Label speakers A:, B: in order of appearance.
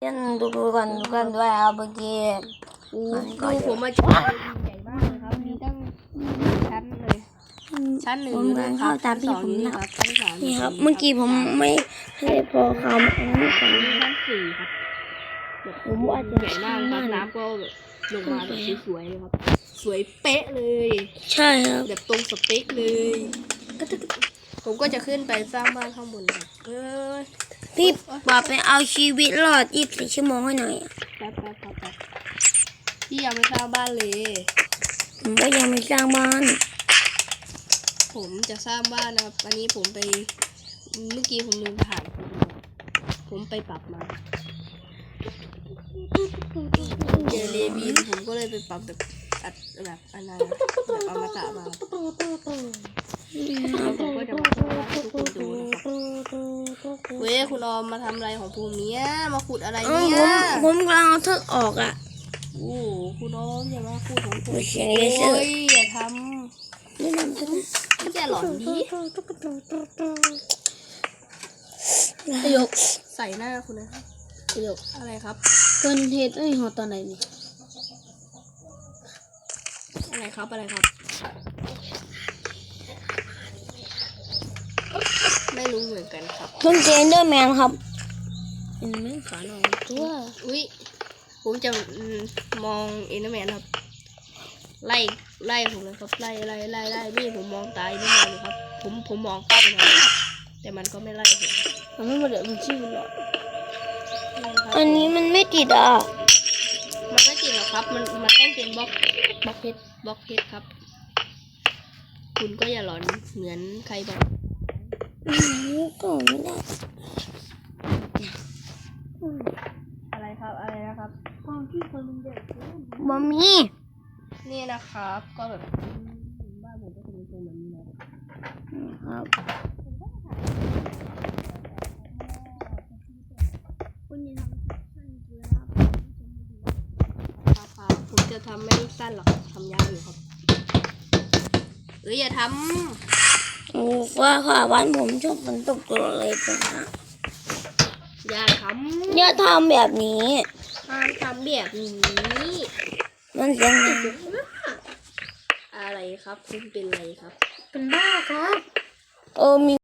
A: เล่นดูกันด้วยครับเมื่อกี้
B: ดูผมมาจากใหญ่มากเลยครับมีตั้งชั้นเลยชั้นหนึ่ง
A: ผมการเข้าตามพี่ผมนะ
B: ครับชั้นสาม
A: นี่ครับเมื่อกี้ผมไม่ให้พอคำอันนี้ก่อน
B: ชั้นสี่ครับ
A: ผมว่าจะ
B: ใหญ่มากครับน้ำก็แบบลงมาแบบสวยๆเลยครับสวยเป๊ะเลย
A: ใช่ครับ
B: แบบตรงสเปคเลยผมก็จะขึ้นไปสร้างบ้านข้างบนครับ
A: พี่บอกไปเอาชีวิตรอด24 ชั่วโมงให้หน่อย
B: แป๊บพี่ยังไม่สร้างบ้านเลย
A: ผมก็ยังไม่สร้างบ้าน
B: ผมจะสร้างบ้านนะครับอันนี้ผมไปเมื่อกี้ผมลืมถ่ายผมไปปรับมาเจอเลวีนผมก็เลยไปปรับแบบแบบอะไรแบบอมตะมาแล้วผมก็จะมาสร้างบ้านให้ทุกคนดูนะครับเว้ยคุณออมมาทำอะไรของภูมิเนี้ยมาขุดอะไรเนี่ย
A: ผมกำลังเอาเธอออกอ่ะ
B: โอ้คุณออมอย่ามาขุดของผม
A: ไม่ใช่
B: โอ้ยอย่าท
A: นี่นำ
B: ำแกหลอนดี
A: ประโยค
B: ใส่หน้าคุณนะ
A: ประโยค
B: อะไรครับ
A: เกินเหตุหอตอนไหนนี่
B: อะไรครับไม่รู้เหมือนกันครับ
A: ต้นเจนเดอร์แมนครับเป็นแม่ขาหน่อยตัว
B: อุ้ยผมจะมองเอ็นเดอร์แมนครับไล่ผมเลยครับไล่นี่ผมมองตายนี่เลยครับผมมองเข้าไปนะแต่มันก็ไม่ไล่ผม
A: มันไม่เดือดมันชื่อหรอกอันนี้มันไม่ติดอ่ะ
B: มันไม่ติดหรอกครับมันต้องเป็นบล็อกเพชรครับคุณก็อย่าหลอนเหมือนใครบอก
A: ก็ไม่ได้
B: อะไรนะครับความที่คนมันเด็ก
A: บะมี
B: นี่นะครับก็แบบบ้านผมก็จะเป็นทรงแบบนี้นะครับ
A: คุณยังทำสั้นเกินครับ
B: ครับผมจะทำไม่สั้นหรอกทำยาวอยู่ครับอย่าท
A: โอ้ว่าค่ะบ้านผมชอบฝนตกตลอดเลยจ้ะ
B: ำอย่าท
A: อย่าทำแบบนี้
B: ำห้ามทำแบบนี้
A: มันเสียงดัง
B: อะไรครับคุณเป็นอะไรครับ
A: เป็นบ้าครับมี